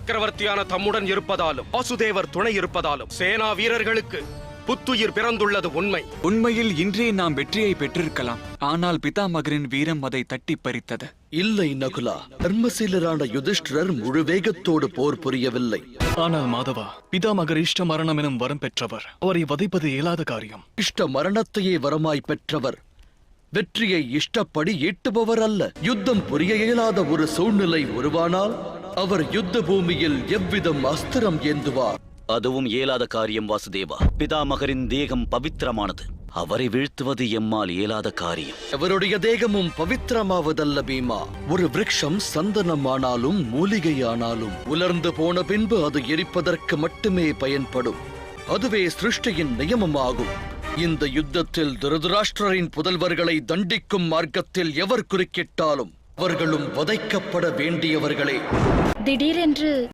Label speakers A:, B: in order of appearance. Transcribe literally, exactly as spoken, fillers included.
A: சக்கரவர்த்தியான தம்முடன் இருப்பதாலும் வாசுதேவர் துணை இருப்பதாலும் சேனா வீரர்களுக்கு புத்துயிர் பிறந்துள்ளது உண்மை.
B: உண்மையில் இன்றே நாம் வெற்றியை பெற்றிருக்கலாம். ஆனால் பிதாமகரின் வீரம் அதை தட்டி பறித்தது.
C: இல்லை நகுலா, தர்மசீலரான யுதிஷ்டிரர் முழு வேகத்தோடு போர் புரியவில்லை.
D: ஆனால் மாதவா, பிதாமகர் இஷ்ட மரணம் எனும் வரம் பெற்றவர். அவரை வதைப்பது இயலாத காரியம்.
C: இஷ்ட மரணத்தையே வரமாய் பெற்றவர் வெற்றியை இஷ்டப்படி ஈட்டுபவர் அல்ல. யுத்தம் புரிய இயலாத ஒரு சூழ்நிலை உருவானால் அவர் யுத்த பூமியில் எவ்விதம் அஸ்திரம் ஏந்துவார்?
E: அதுவும் இயலாத காரியம் வாசுதேவா. பிதாமகரின் தேகம் பவித்திரமானது. அவரை வீழ்த்துவது எம்மால் இயலாத காரியம்.
C: அவருடைய தேகமும் பவித்திரமாவதல்ல பீமா. ஒரு விருட்சம் சந்தனமானாலும் மூலிகையானாலும் உலர்ந்து போன பின்பு அது எரிப்பதற்கு மட்டுமே பயன்படும். அதுவே சிருஷ்டியின் நியமமாகும். இந்த யுத்தத்தில் திருதராஷ்டிரரின் புதல்வர்களை தண்டிக்கும் மார்க்கத்தில் எவர் குறுக்கிட்டாலும் அவர்களும் வதைக்கப்பட வேண்டியவர்களே.
F: திடீரென்று